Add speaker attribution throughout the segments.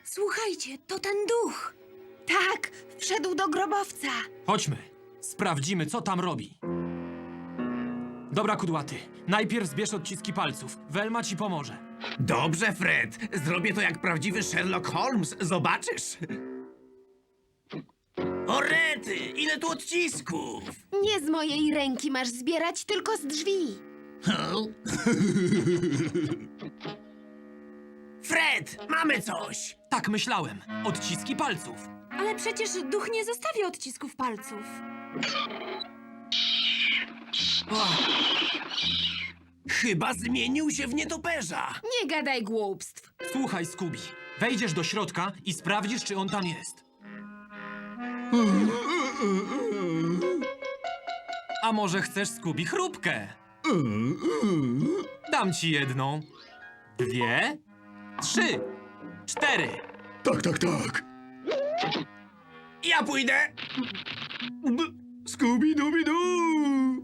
Speaker 1: Słuchajcie, to ten duch. Tak, wszedł do grobowca.
Speaker 2: Chodźmy. Sprawdzimy, co tam robi. Dobra, kudłaty. Najpierw zbierz odciski palców. Velma ci pomoże.
Speaker 3: Dobrze, Fred. Zrobię to jak prawdziwy Sherlock Holmes. Zobaczysz. O rety, ile tu odcisków!
Speaker 1: Nie z mojej ręki masz zbierać, tylko z drzwi.
Speaker 3: Fred, mamy coś!
Speaker 2: Tak myślałem. Odciski palców.
Speaker 1: Ale przecież duch nie zostawi odcisków palców.
Speaker 3: Chyba zmienił się w nietoperza.
Speaker 1: Nie gadaj głupstw.
Speaker 2: Słuchaj, Scooby. Wejdziesz do środka i sprawdzisz, czy on tam jest. A może chcesz, Scooby, chrupkę? Dam ci jedną, 2, 3, 4.
Speaker 4: Tak, tak, tak.
Speaker 3: Ja pójdę.
Speaker 4: Scooby-Dooby-Doo!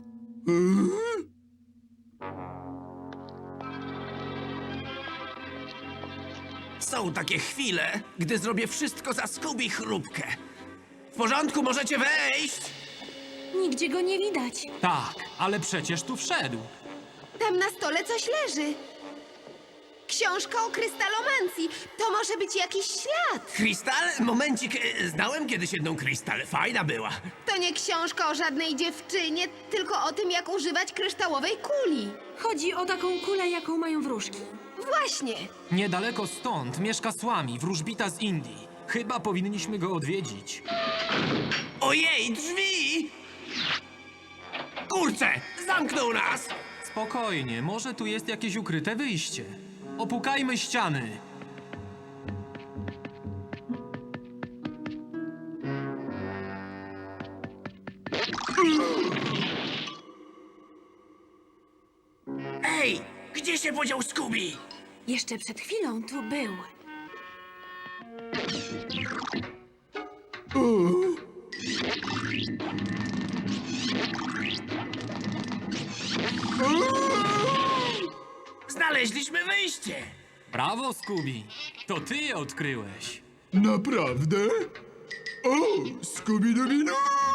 Speaker 3: Są takie chwile, gdy zrobię wszystko za Scooby chrupkę. W porządku, możecie wejść.
Speaker 1: Nigdzie go nie widać.
Speaker 2: Tak, ale przecież tu wszedł.
Speaker 1: Tam na stole coś leży. Książka o krystalomancji. To może być jakiś ślad.
Speaker 3: Krystal? Momencik, znałem kiedyś jedną Krystal. Fajna była.
Speaker 1: To nie książka o żadnej dziewczynie, tylko o tym, jak używać kryształowej kuli. Chodzi o taką kulę, jaką mają wróżki. Właśnie.
Speaker 2: Niedaleko stąd mieszka Słami, wróżbita z Indii. Chyba powinniśmy go odwiedzić.
Speaker 3: Ojej, drzwi! Kurczę, zamknął nas!
Speaker 2: Spokojnie, może tu jest jakieś ukryte wyjście. Opukajmy ściany.
Speaker 3: Ej, gdzie się podział Scooby?
Speaker 1: Jeszcze przed chwilą tu był.
Speaker 3: Znaleźliśmy wyjście!
Speaker 2: Brawo, Scooby. To ty je odkryłeś.
Speaker 4: Naprawdę? O, Scooby-Dooby-Doo!